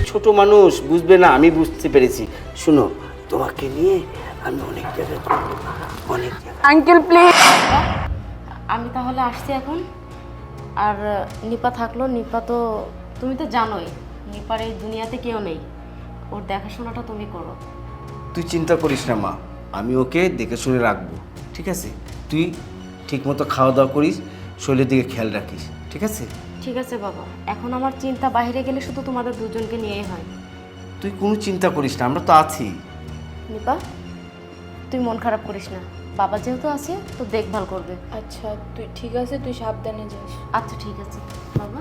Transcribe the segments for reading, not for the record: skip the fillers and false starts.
ছোট মানুষ, বুঝবে না, আমি বুঝতে পেরেছি। শুনো, তোমাকে নিয়ে আমি অনেক জায়গায় ঘুরবো, অনেক জায়গায়। Uncle please. আমি তাহলে আসছি এখন। আর নিপা থাকলো, নিপা তো তুমি তো জানোই নিপার এই দুনিয়াতে কেউ নেই, ওর দেখাশোনাটা তুমি করো। তুই চিন্তা করিস না মা, আমি ওকে দেখে শুনে রাখবো, ঠিক আছে? তুই ঠিক মতো খাওয়া দাওয়া করিস, শরীরের দিকে খেয়াল রাখিস, ঠিক আছে? ঠিক আছে বাবা, এখন আমার চিন্তা বাইরে গেলে শুধু তোমাদের দুজনকে নিয়েই হয়। তুই কোনো চিন্তা করিস না, আমরা তো আছি। নিপা, তুই মন খারাপ করিস না, বাবা যেহেতু আছে তো দেখভাল করবে। আচ্ছা তুই ঠিক আছে, তুই সাবধানে যাস। আচ্ছা ঠিক আছে বাবা।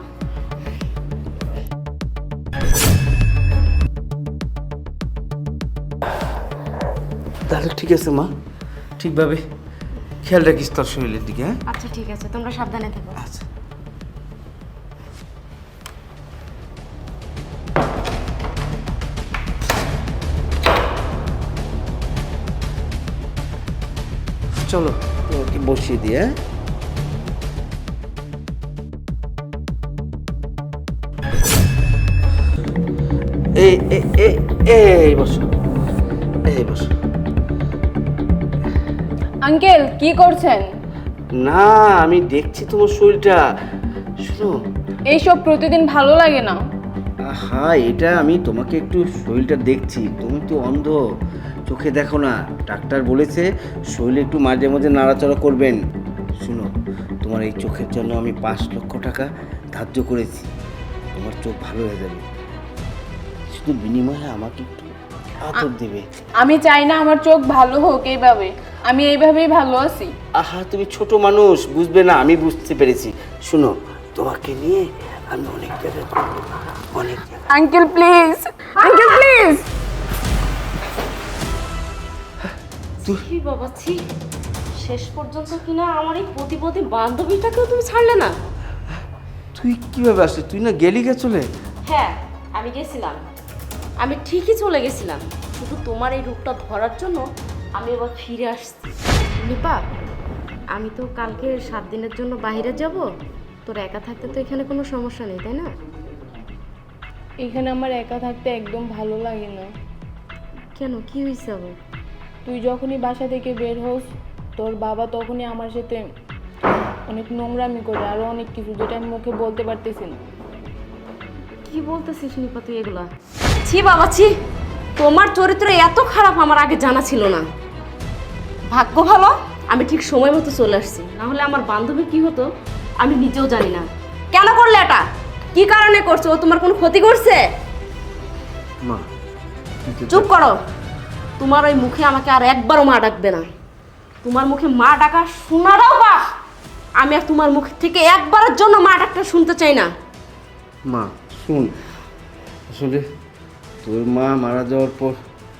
তাহলে ঠিক আছে মা, ঠিকভাবে খেয়াল রাখিস তোর শরীরের দিকে, হ্যাঁ? আচ্ছা ঠিক আছে, তোমরা সাবধানে থেকো। আচ্ছা। চলো ওকে বসিয়ে দিয়ে, হ্যাঁ? এই এই এই এই বসো, এই বসো। আঙ্কেল কি করছেন? না, আমি দেখছি তোমার শরীরটা। শোনো, এইসব প্রতিদিন ভালো লাগে না। হ্যাঁ, এটা আমি তোমাকে একটু শরীরটা দেখছি, তুমি তো অন্ধ, চোখে দেখো না। ডাক্তার বলেছে শরীরে একটু মাঝে মাঝে নাড়াচাড়া করবেন। শুনো, তোমার এই চোখের জন্য আমি 5 লক্ষ টাকা ধার্য করেছি, তোমার চোখ ভালো হয়ে যাবে, শুধু বিনিময়ে আমাকে একটু আদর দেবে। আমি চাই না আমার চোখ ভালো হোক এইভাবে, আমি এইভাবেই ভালো আছি। আহা, তুমি ছোট মানুষ, বুঝবে না, আমি বুঝতে পেরেছি। শুনো, তোমাকে নিয়ে আমি অনেক জায়গায় ঘুরবো, অনেক জায়গায়। Uncle please, uncle please. ছি বাবা ছি, শেষ পর্যন্ত কিনা আমার এই প্রতিপদী বান্ধবীটাকেও তুমি ছাড়লে না। তুই কিভাবে আসলি? তুই না গেলি গে চলে? হ্যাঁ আমি গেছিলাম, আমি ঠিকই চলে গেছিলাম, শুধু তোমার এই রূপটা ধরার জন্য আমি এবার ফিরে আসছি। নিপা, আমি তো কালকে 7 দিনের জন্য বাইরে যাব, তোর একা থাকতে তো এখানে কোনো সমস্যা নেই তাই না? এখানে আমার একা থাকতে একদম ভালো লাগে না। কেন, কি হয়েছে আবার? তুই যখনই বাসা থেকে বের হোস, তোর বাবা তখনই আমার সাথে অনেক নোংরামি করে, আরো অনেক কিছু যেটা আমি মুখে বলতে পারতেছি না। কি বলতেছিস নিপা তুই এগুলা? ছি বাবা ছি, তোমার চরিত্র এত খারাপ আমার আগে জানা ছিল না। ভাগ্য ভালো আমি ঠিক সময় মতো চলে আসছি, না হলে আমার বান্ধবী কি হতো আমি নিজেও জানি না। কেন করলে এটা? কি কারণে করছো? ও তোমার কোনো ক্ষতি করছে? মা, চুপ করো, তোমার ওই মুখে আমাকে আর একবারও মা ডাকবে না। তোমার মুখে মা ডাকা শোনারও বা আমি আর তোমার মুখ থেকে একবারের জন্য মা ডাকটা শুনতে চাই না। মা শুন, আসলে তোর মা মারা যাওয়ার পর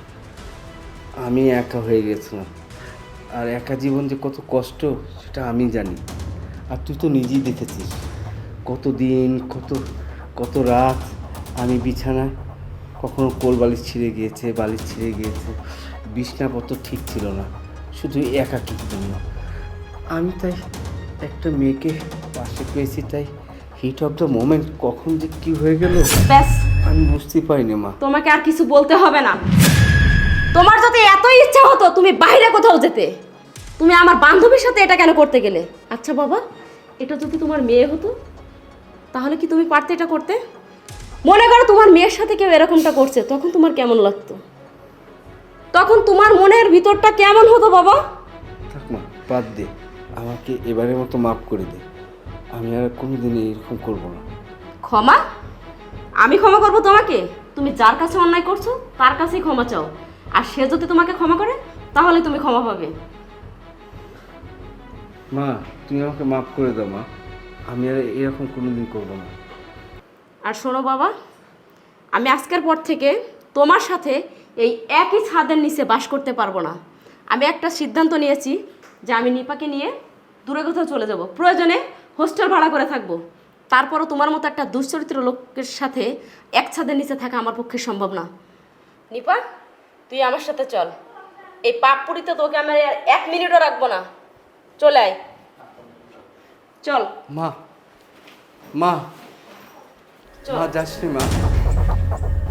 আমি একা হয়ে গেছিলাম, আর একা জীবন যে কত কষ্ট সেটা আমি জানি, আর তুই তো নিজেই দেখেছিস কত দিন, কত কত রাত আমি বিছানায়, কখনো কোল বালিশ ছিঁড়ে গিয়েছে, বালিশ ছিঁড়ে গিয়েছে, বিছনাপত্র ঠিক ছিল না, শুধু একাকির জন্য। আমি তাই একটা মেয়েকে পাশে পেয়েছি, তাই হিট অফ দ্য মোমেন্ট কখন যে কি হয়ে গেল ব্যাস, আমি বুঝতেই পারিনি মা। তোমাকে আর কিছু বলতে হবে না। তোমার যদি এতই ইচ্ছা হতো তুমি বাইরে কোথাও যেতে, তুমি আমার বান্ধবীর সাথে এটা কেন করতে গেলে? আচ্ছা বাবা, এটা যদি তোমার মেয়ে হতো তাহলে কি তুমি পারতে এটা করতে? মনে করো তোমার মেয়ের সাথে কেউ এরকমটা করছে, তখন তোমার কেমন লাগতো? তখন তোমার মনের ভিতরটা কেমন হতো বাবা? থাক মা, বাদ দে, আমাকে এবারের মতো মাফ করে দে, আমি আর কোনোদিন এরকম করব না। ক্ষমা? আমি ক্ষমা করবো তোমাকে? তুমি যার কাছে অন্যায় করছো তার কাছেই ক্ষমা চাও, আর সে যদি তোমাকে ক্ষমা করে তাহলে তুমি ক্ষমা পাবে। মা, তুমি আমাকে মাফ করে দাও মা, আমি আর এরকম কোনোদিন করব না। আর শোনো বাবা, আমি আজকের পর থেকে তোমার সাথে এই একই ছাদের নিচে বাস করতে পারবো না। আমি একটা সিদ্ধান্ত নিয়েছি যে আমি নিপাকে নিয়ে দূরে কোথাও চলে যাব, প্রয়োজনে হোস্টেল ভাড়া করে থাকবো। তারপরও তোমার মতো একটা দুশ্চরিত্র লোকের সাথে এক ছাদের নিচে থাকা আমার পক্ষে সম্ভব না। নিপা, তুই আমার সাথে চল, এই পাপপুরিতে তোকে আমি আর 1 মিনিটও রাখবো না। চলে আয়, চল। মা, মা, চল। মা যাসনি মা।